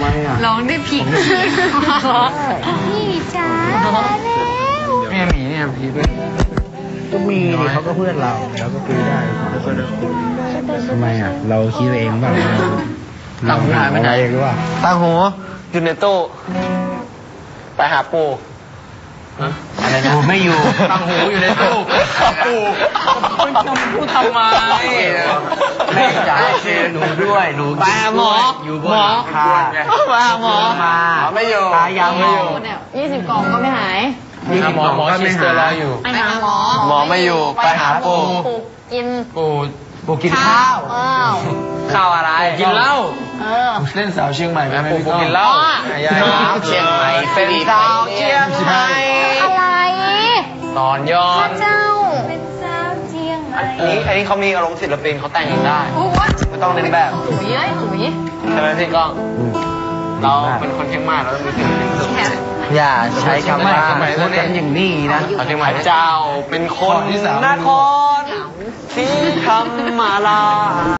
ไมอ่ะร้องได้ผิดพี่จ๋าแล้วแม่หมีเนี่ยพี่ด้วยก็มีดิเขาก็เพื่อนเราแล้วก็คุยได้ทำไมอ่ะเราคิดเองบ้างเราหาอะไรหรือว่าตาหูอยู่ในตู้ไปหาปูอะไรนะไม่อยู่ตั้งหูอยู่ในตู้ปูคุณจะพูดทำไมแม่จ๋าเชิญหนูด้วยหนูไปหาหมออยู่บนหลังคาไปหาหมอไม่อยู่ตายยังไม่อยู่เนี่ย20 กล่องก็ไม่หายหมอชิสเตอร์รออยู่ไปหาหมอหมอไม่อยู่ไปหาปูกินปูกินข้าวข้าวอะไรกินเหล้าเล่นสาวเชียงใหม่ไหมปูกินเหล้าสาวเชียงใหม่เป็นสาวเชียงใหม่อะไรตอนย้อนเจ้าเป็นสาวเชียงใหม่อันนี้เขามีอารมณ์ศิลปินเขาแต่งเองได้ไม่ต้องเล่นแบบหุยใช่ไหมพี่ก้องเราเป็นคนเชียงใหม่เราต้องมีศิลปินสุดอย่าใช้คำว่าพูดกันอย่างนี้นะเชียงใหม่เจ้าเป็นคนนครที่ทำมาลา